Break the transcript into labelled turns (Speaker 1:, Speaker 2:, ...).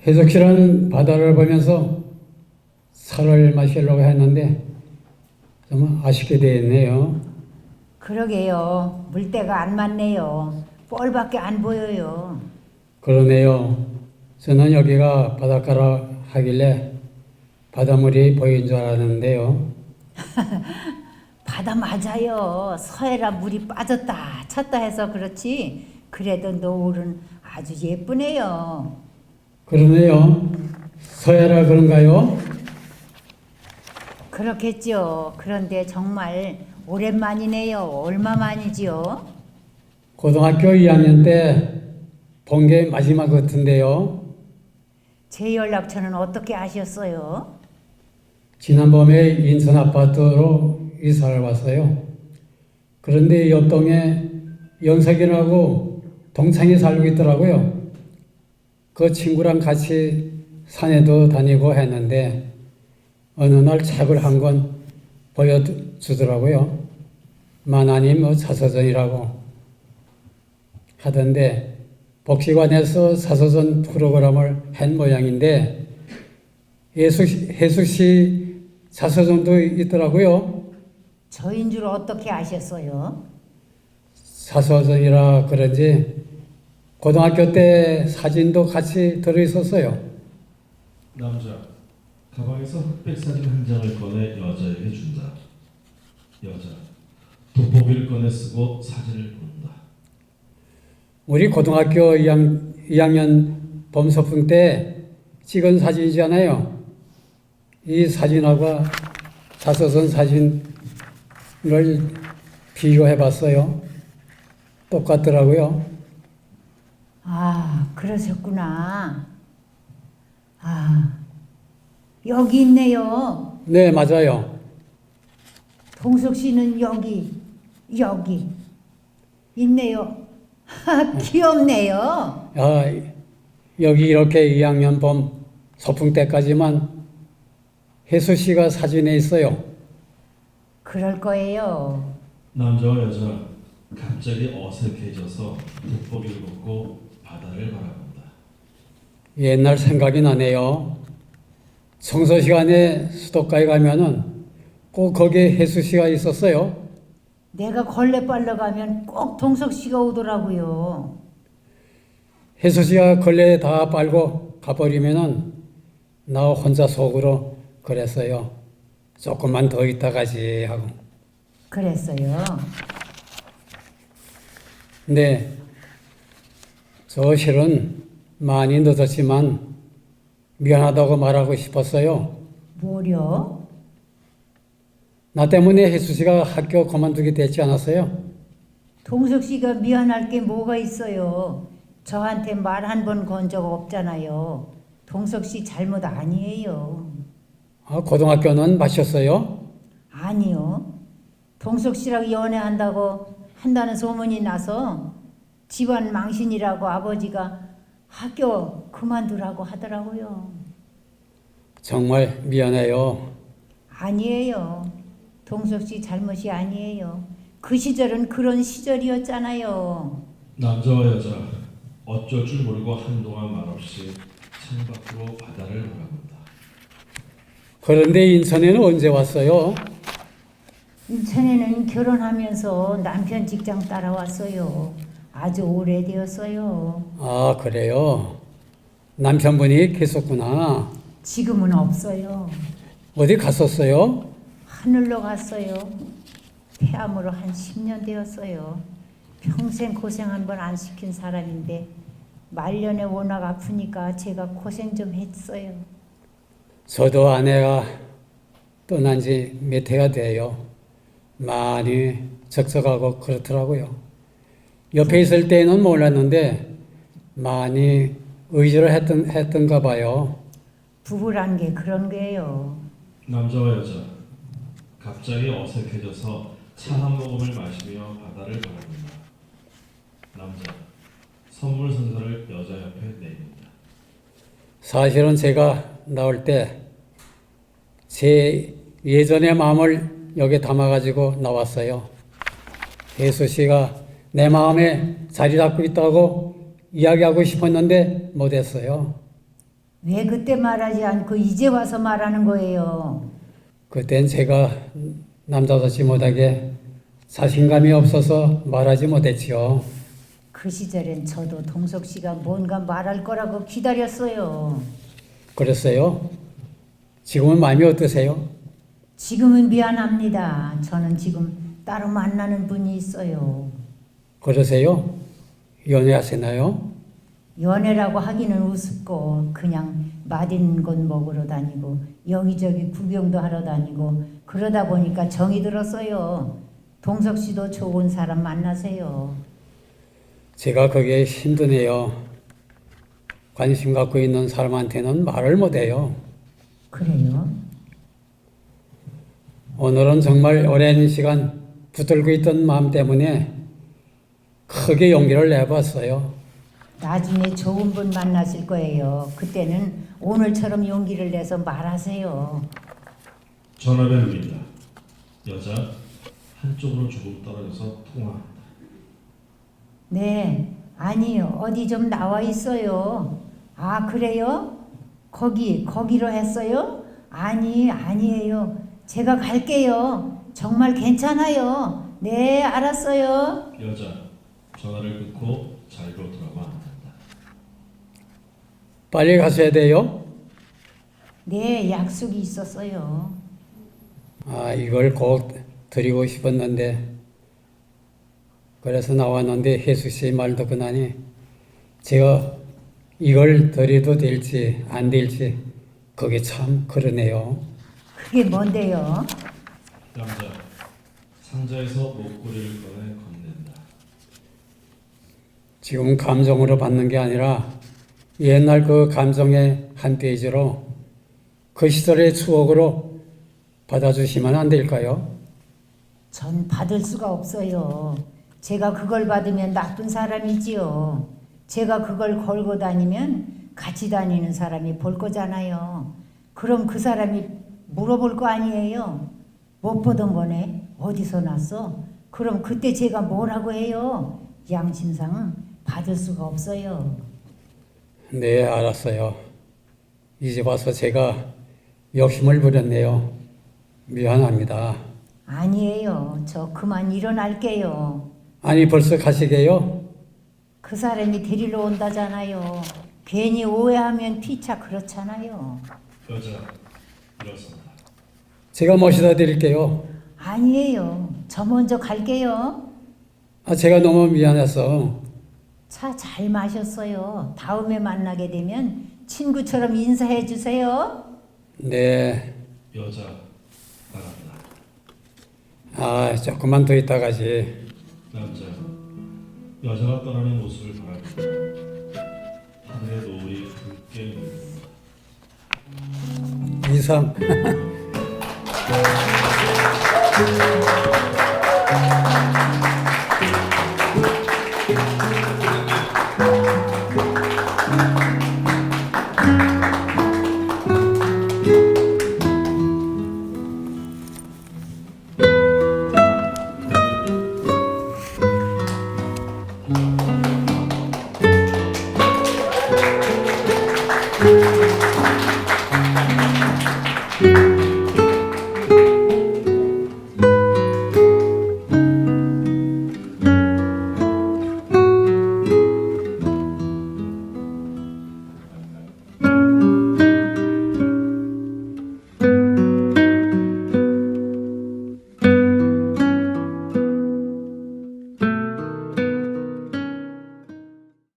Speaker 1: 해적실은 바다를 보면서 살을 마시려고 했는데 좀 아쉽게 되었네요.
Speaker 2: 그러게요. 물때가 안 맞네요. 뻘밖에 안 보여요.
Speaker 1: 그러네요. 저는 여기가 바닷가라 하길래 바닷물이 보인 줄 알았는데요.
Speaker 2: 바다 맞아요. 서해라 물이 빠졌다 쳤다 해서 그렇지. 그래도 노을은 아주 예쁘네요.
Speaker 1: 그러네요. 서해라 그런가요?
Speaker 2: 그렇겠죠. 그런데 정말 오랜만이네요. 얼마만이지요?
Speaker 1: 고등학교 2학년 때 본 게 마지막 같은데요.
Speaker 2: 제 연락처는 어떻게 아셨어요?
Speaker 1: 지난번에 인천 아파트로 이사를 왔어요. 그런데 옆동에 연석이라고 동창이 살고 있더라고요. 그 친구랑 같이 산에도 다니고 했는데 어느 날 책을 한 권 보여주더라고요. 만화니 뭐 자서전이라고 하던데 복지관에서 자서전 프로그램을 한 모양인데 해숙씨 자서전도 있더라고요.
Speaker 2: 저인 줄 어떻게 아셨어요?
Speaker 1: 자서전이라 그런지 고등학교 때 사진도 같이 들어있었어요.
Speaker 3: 남자, 가방에서 흑백 사진 한 장을 꺼내 여자에게 준다. 여자, 돋보기를 꺼내 쓰고 사진을 본다.
Speaker 1: 우리 고등학교 2학년 봄소풍 때 찍은 사진이잖아요. 이 사진하고 자서전 사진을 비교해 봤어요. 똑같더라고요.
Speaker 2: 아, 그러셨구나. 아, 여기 있네요.
Speaker 1: 네, 맞아요.
Speaker 2: 동석 씨는 여기 있네요. 귀엽네요.
Speaker 1: 아, 여기 이렇게 2학년 봄 소풍 때까지만 혜수 씨가 사진에 있어요.
Speaker 2: 그럴 거예요.
Speaker 3: 남자와 여자, 갑자기 어색해져서 돋보기를 벗고 바다를 바라본다.
Speaker 1: 옛날 생각이 나네요. 청소 시간에 수도가에 가면은 꼭 거기에 혜수 씨가 있었어요.
Speaker 2: 내가 걸레 빨러 가면 꼭 동석 씨가 오더라고요.
Speaker 1: 혜수 씨가 걸레 다 빨고 가버리면은 나 혼자 속으로 그랬어요. 조금만 더 있다 가지 하고.
Speaker 2: 그랬어요.
Speaker 1: 근데 저 실은 많이 늦었지만 미안하다고 말하고 싶었어요.
Speaker 2: 뭐려?
Speaker 1: 나 때문에 혜수 씨가 학교 그만두게 됐지 않았어요?
Speaker 2: 동석 씨가 미안할 게 뭐가 있어요. 저한테 말 한 번 건 적 없잖아요. 동석 씨 잘못 아니에요.
Speaker 1: 아, 고등학교는 마셨어요?
Speaker 2: 아니요. 동석 씨랑 한다는 소문이 나서 집안 망신이라고 아버지가 학교 그만두라고 하더라고요.
Speaker 1: 정말 미안해요.
Speaker 2: 아니에요. 동석 씨 잘못이 아니에요. 그 시절은 그런 시절이었잖아요.
Speaker 3: 남자와 여자, 어쩔 줄 모르고 한동안 말없이 창밖으로 바다를 바라본다.
Speaker 1: 그런데 인천에는 언제 왔어요?
Speaker 2: 인천에는 결혼하면서 남편 직장 따라왔어요. 아주 오래되었어요.
Speaker 1: 아, 그래요? 남편분이 계셨구나.
Speaker 2: 지금은 없어요.
Speaker 1: 어디 갔었어요?
Speaker 2: 하늘로 갔어요. 폐암으로 한 10년 되었어요. 평생 고생 한 번 안 시킨 사람인데 말년에 워낙 아프니까 제가 고생 좀 했어요.
Speaker 1: 저도 아내가 떠난 지 몇 해가 돼요. 많이 적적하고 그렇더라고요. 옆에 있을 때는 몰랐는데 많이 의지를 했던가 봐요.
Speaker 2: 부부란 게 그런 거예요.
Speaker 3: 남자와 여자, 갑자기 어색해져서 차 한 모금을 마시며 바다를 바라본다. 남자, 선물 상자를 여자 옆에 내민다.
Speaker 1: 사실은 제가 나올 때 제 예전의 마음을 여기에 담아가지고 나왔어요. 혜수 씨가 내 마음에 자리 잡고 있다고 이야기하고 싶었는데 못했어요.
Speaker 2: 왜 그때 말하지 않고 이제 와서 말하는 거예요?
Speaker 1: 그땐 제가 남자답지 못하게 자신감이 없어서 말하지 못했지요.
Speaker 2: 그 시절엔 저도 동석 씨가 뭔가 말할 거라고 기다렸어요.
Speaker 1: 그랬어요. 지금은 마음이 어떠세요?
Speaker 2: 지금은 미안합니다. 저는 지금 따로 만나는 분이 있어요.
Speaker 1: 그러세요? 연애하시나요?
Speaker 2: 연애라고 하기는 우습고 그냥 맛있는 것 먹으러 다니고 여기저기 구경도 하러 다니고 그러다 보니까 정이 들었어요. 동석 씨도 좋은 사람 만나세요.
Speaker 1: 제가 그게 힘드네요. 관심 갖고 있는 사람한테는 말을 못해요.
Speaker 2: 그래요?
Speaker 1: 오늘은 정말 오랜 시간 붙들고 있던 마음 때문에 크게 용기를 내봤어요.
Speaker 2: 나중에 좋은 분 만나실 거예요. 그때는 오늘처럼 용기를 내서 말하세요.
Speaker 3: 전화벨 울린다. 여자 한쪽으로 조금 떨어져서 통화한다.
Speaker 2: 네, 아니요. 어디 좀 나와 있어요. 아, 그래요? 거기로 했어요? 아니에요. 제가 갈게요. 정말 괜찮아요. 네, 알았어요.
Speaker 3: 여자 전화를 끊고 자리로 돌아가.
Speaker 1: 빨리 가셔야 돼요.
Speaker 2: 네, 약속이 있었어요.
Speaker 1: 이걸 꼭 드리고 싶었는데 그래서 나왔는데 혜수 씨 말 듣고 나니 제가 이걸 드려도 될지 안 될지 그게 참 그러네요.
Speaker 2: 그게 뭔데요?
Speaker 3: 남자 상자에서 목걸이를 꺼내 건넨다.
Speaker 1: 지금 감정으로 받는 게 아니라 옛날 그 감정의 한 페이지로 그 시절의 추억으로 받아주시면 안 될까요?
Speaker 2: 전 받을 수가 없어요. 제가 그걸 받으면 나쁜 사람이지요. 제가 그걸 걸고 다니면 같이 다니는 사람이 볼 거잖아요. 그럼 그 사람이 물어볼 거 아니에요. 못 보던 거네. 어디서 났어? 그럼 그때 제가 뭐라고 해요? 양심상 받을 수가 없어요.
Speaker 1: 네, 알았어요. 이제 와서 제가 욕심을 부렸네요. 미안합니다.
Speaker 2: 아니에요. 저 그만 일어날게요.
Speaker 1: 아니, 벌써 가시게요?
Speaker 2: 그 사람이 데리러 온다잖아요. 괜히 오해하면 피차 그렇잖아요.
Speaker 3: 여자 일어선다.
Speaker 1: 제가 모셔다 드릴게요.
Speaker 2: 아니에요. 저 먼저 갈게요.
Speaker 1: 제가 너무 미안해서.
Speaker 2: 차 잘 마셨어요. 다음에 만나게 되면 친구처럼 인사해 주세요.
Speaker 1: 네.
Speaker 3: 여자 나간다.
Speaker 1: 조금만 더 있다 가지.
Speaker 3: 남자 여자가 떠나는 모습을 바라본다. 하늘의 노을이 붉게 물든다.
Speaker 1: 2, 3.